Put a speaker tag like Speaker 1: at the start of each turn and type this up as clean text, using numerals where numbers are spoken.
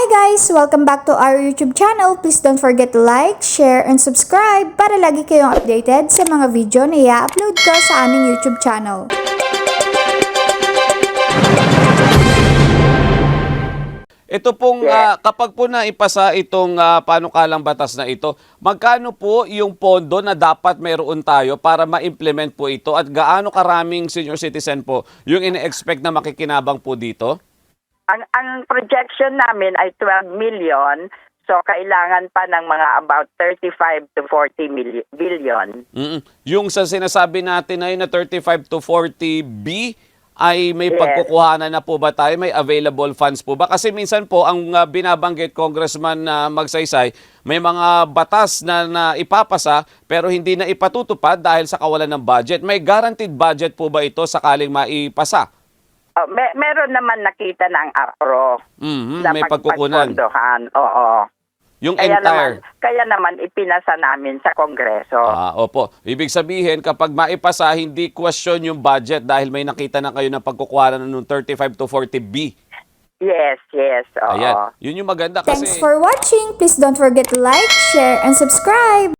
Speaker 1: guys! Welcome back to our YouTube channel. Please don't forget to like, share, and subscribe para lagi kayong updated sa mga video na i-upload ko sa aming YouTube channel.
Speaker 2: Ito pong kapag po naipasa itong panukalang batas na ito, magkano po yung pondo na dapat mayroon tayo para ma-implement po ito at gaano karaming senior citizen po yung ine-expect na makikinabang po dito?
Speaker 3: Ang projection namin ay 12 million. So, kailangan pa ng mga about 35 to 40 billion.
Speaker 2: Yung sa sinasabi natin na yun na 35 to 40B, ay may pagkukuhanan na po ba tayo? May available funds po ba? Kasi minsan po, ang binabanggit Congressman Magsaysay, may mga batas na ipapasa pero hindi na ipatutupad dahil sa kawalan ng budget. May guaranteed budget po ba ito sakaling maipasa?
Speaker 3: Meron naman nakita ng APRO na
Speaker 2: may pagkukunan.
Speaker 3: Oo.
Speaker 2: Yung
Speaker 3: kaya naman ipinasa namin sa Kongreso.
Speaker 2: Opo. Ibig sabihin, kapag maipasa, hindi question yung budget dahil may nakita na kayo ng pagkukuhanan ng 35 to 40B.
Speaker 3: Yes. Oo.
Speaker 2: Ayan. Yun yung maganda kasi...
Speaker 1: Thanks for watching. Please don't forget to like, share, and subscribe.